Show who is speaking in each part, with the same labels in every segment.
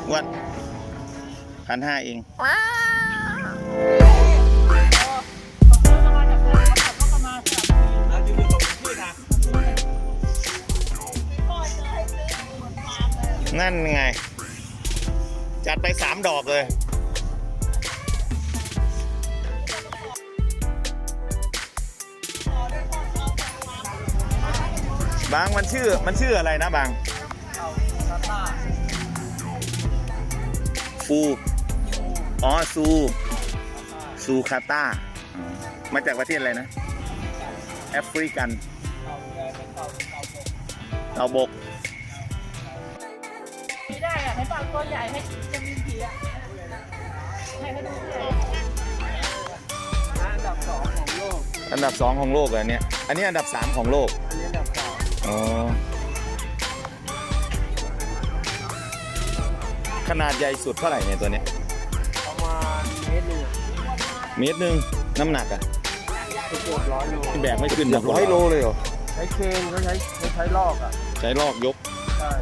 Speaker 1: วัด1,500เองนั่นไงจัดไป3 ดอกเลยบางมันชื่ออะไรนะบางฟูอ๋อซูคาต้ามาจากประเทศอะไรนะแอฟริกันเต่าบก
Speaker 2: ไม่ได้อะให้ปากตัวใหญ่ให้จะมีผีอะให้เขาดูอันดับ2ของโลก
Speaker 1: อันดับ2ของโลกเลยเนี่ยอันนี้อันดับ3ของโลก
Speaker 2: อันนี้อันดับ2
Speaker 1: อ๋อขนาดใหญ่สุดเท่าไหร่เนี่ยตัวเนี้ย
Speaker 2: ประมาณเมตร
Speaker 1: 1 น้ำหนักอ่ะ
Speaker 2: เกือบ100 โล
Speaker 1: แบกไม่ขึ้น100 โลเลยเหรอ
Speaker 2: ใช้เคนเขาใช้ลอกอ่ะ
Speaker 1: ใช้ลอกยก
Speaker 2: ใช่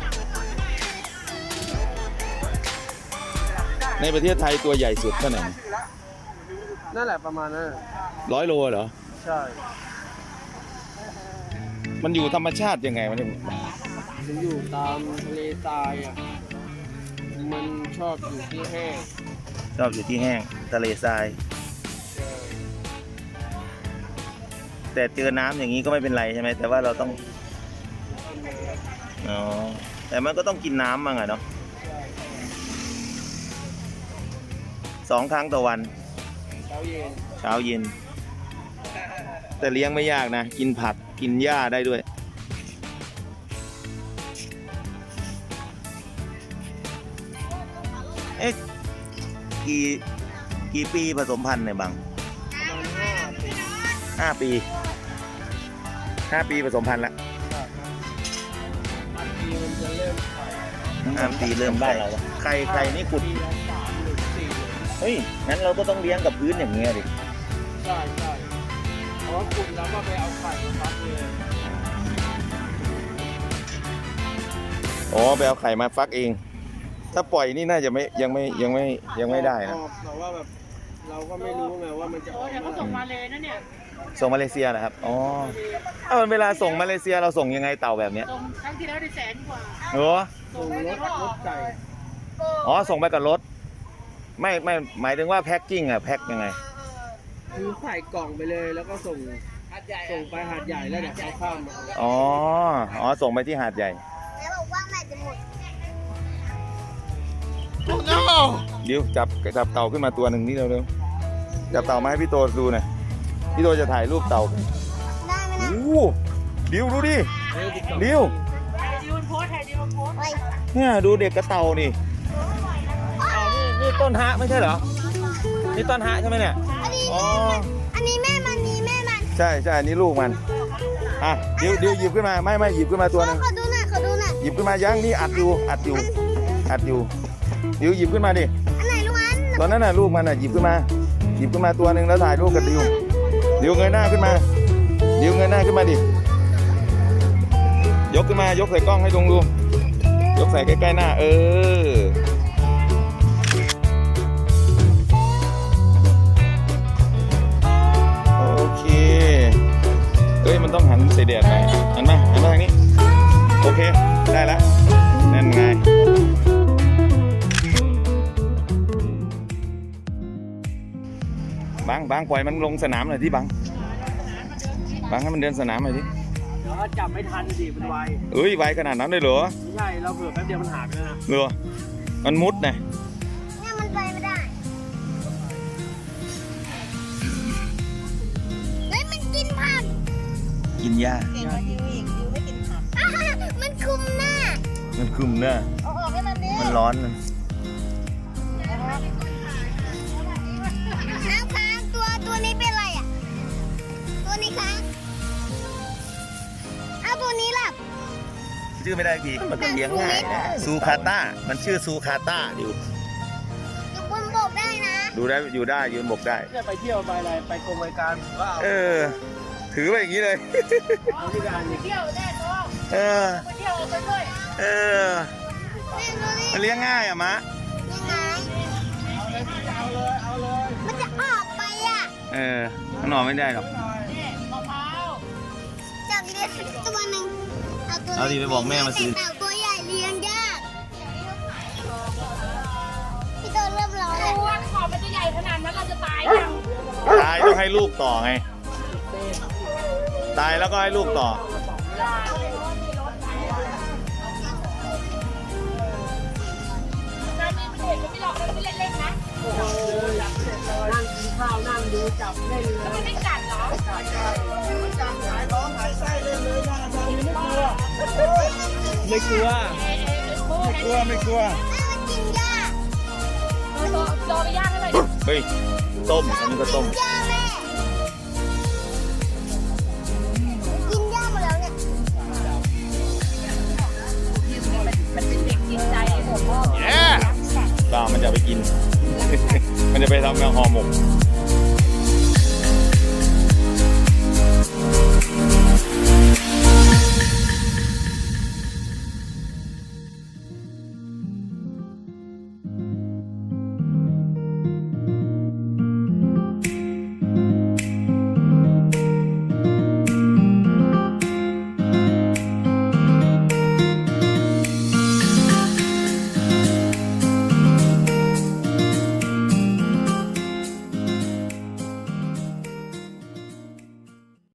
Speaker 1: ในประเทศไทยตัวใหญ่สุดเท่าไหร่
Speaker 2: นั่นแหละประมาณนั้น
Speaker 1: 100 โลเหรอ
Speaker 2: ใช่
Speaker 1: มันอยู่ธรรมชาติยังไงมัน
Speaker 2: อยู่ตามทะเลทรายอ่ะมันชอบอยู่ที่แห้ง
Speaker 1: ทะเลทรายแต่เจอน้ำอย่างนี้ก็ไม่เป็นไรใช่ไหมแต่ว่าเราต้องอ๋อแต่มันก็ต้องกินน้ำมั่งอะเนาะ2 ครั้งต่อวัน
Speaker 2: เช้า
Speaker 1: เย็นแต่เลี้ยงไม่ยากนะกินผักกินหญ้าได้ด้วยเอ๊ะกี่ปีผสมพันธุ์เนี่ยบัง
Speaker 2: ประมาณ
Speaker 1: 5 ปีผสมพันธุ์แล้ว
Speaker 2: 5 ปีมันจะเริ่มไข่
Speaker 1: 5 ปีเริ่มบ้านเราไข่นี่ขุดเฮ้ยงั้นเราก็ต้องเลี้ยงกับพื้นอย่างเงี้ยดิ
Speaker 2: ใช่เพราะว่าขุดแล้วก็ไปเอาไข่มาฟักเลย
Speaker 1: อ๋อไปเอาไข่มาฟักเองถ้าปล่อยนี่น่าจะยังไม่ได้นะ
Speaker 2: แต่ว่าแบบเราก็ไม่รู้ไงว่ามันจะออกเขาส่งมาเลยนะเนี่ย
Speaker 1: ส่งมาเลเซียนะครับอ๋อเวลาส่งมาเลเซียเราส่งยังไงเต่าแบบเนี้ย
Speaker 2: ส่งครั้งที่แล้วได้100,000 กว่า
Speaker 1: ส่ง
Speaker 2: รถไก่
Speaker 1: อ๋อส่งไปกับรถไม่หมายถึงว่าแพ็คกิ้งอะแพ็คยังไง
Speaker 2: คือใส่กล่องไปเลยแล้วก็ส่งไปหาดใหญ่แล้วเดี๋ยวเขาข้ามมา
Speaker 1: อ๋อส่งไปที่หาดใหญ่
Speaker 3: แล้วบอกว่าแม่จะหมด
Speaker 1: เดี๋ยวจับเต่าขึ้นมาตัวหนึ่งนี่เร็วจับเต่ามาให้พี่โตดูหน่อยพี่โตจะถ่ายรูปเต่า
Speaker 3: ได้ไหมนะ
Speaker 1: โอ้ดิวดูดิดิวเนี่ยดูเด็กกระเต่านี่นี่ต้นฮะไม่ใช่เหรอนี่ต้นฮะใช่ไหมเนี่ย
Speaker 3: อันนี้แม่มัน
Speaker 1: ใช่อันนี้ลูกมันอ่ะดิวหยิบขึ้นมาไม่หยิบขึ้นมาตัวนึง
Speaker 3: ขอดูหน่อย
Speaker 1: หยิบขึ้นมายังนี่อัดอยู่ดิวหยิบขึ้นมาดิ
Speaker 3: อันไหนลูก
Speaker 1: ตอนนั้นน่ะลูกมันน่ะหยิบขึ้นมาตัวนึงแล้วถ่ายรูปกับดิวเงยหน้าขึ้นมาดิยกขึ้นมายกใส่กล้องให้ดูยกใส่ใกล้ๆหน้าโอเคเฮ้ยมันต้องหันใส่แดดหน่อยหันมาทางนี้โอเคได้แล้วนั่นไงบางปล่อยมันลงสนามหน่อยที่บางให้มันเดินสนามหน่อยดิ
Speaker 2: เดี๋ยวจับไม่ทันดิมันไว
Speaker 1: ไวขนาดนั้นเลยเหรอ
Speaker 2: ไม่ใช่เราเผื่อแป๊บเดียวมันหายไปแล้วนะ
Speaker 1: เหรอมันมุดไง
Speaker 3: เนี่ยมันไปไม่ได้เฮ้ยมันกินผัก
Speaker 1: กินหญ้า
Speaker 3: เก่งกว่าดิวอีกดิวไม่กินผักมันคุมหน้าเอาออกให้มันดิ
Speaker 1: มันร้อน
Speaker 3: น้ำค้างตัวนี้เป็นอะไรอ่ะตัวนี้ค้างเอาตัวนี้หลับ
Speaker 1: ชื่อไม่ได้ทีมันก็เลี้ยงง่ายซูคาต้ามันชื่อซูคาต้าอยู่
Speaker 3: บนบกได้นะ
Speaker 1: ดูได้อยู่ได้ยืนบกได้
Speaker 2: ไปเที่ยวไปอะไรไปกรมการก็เอา
Speaker 1: ถือไปอย่างนี้เลย
Speaker 2: เอาที่การ
Speaker 3: ไปเที่ยวได้ตัว
Speaker 1: ไปเที่ยวไปด้วยมันเลี้ยงง่ายอะมะ
Speaker 3: ยังไงมันจะออกไปอ่ะ
Speaker 1: มันนอนไม่ได้หรอก
Speaker 3: จับเลี้ยงตัวหนึ่งตัว
Speaker 1: เอาดิไปบอกแม่มาซื้อ
Speaker 3: แต่ตัวใหญ่เลี้ยงยากพี่โตเริ่มร้อนแล้ว
Speaker 4: ว่าขอมันจะใหญ่ขนาดนั้นเราจะตายยัง
Speaker 1: ตายต้องให้ลูกต่อไง ตายแล้วก็ให้ลูกต่อ
Speaker 4: งานนี้มันเห็นมันไม่หลอกมันไม่เล่นๆนะ
Speaker 2: นั่งกินข้าวนั่งดูจับเล่นเลย
Speaker 4: มันไม่กัดเหรอ
Speaker 2: ไม่กลัว
Speaker 1: ไม่กลัว
Speaker 3: แม่มันกินหญ้า
Speaker 4: โดนไปย่างให้เลย
Speaker 1: เฮ้ย ต้มอันนี้ก็ต้ม
Speaker 3: หญ้าแม่กินหญ้าหมดแล้วเนี่ย
Speaker 4: มันเป็นเด็กจิตใจผมพ่อ
Speaker 1: เย้ตามันจะไปกิน มันจะไปทำงานห่อหมก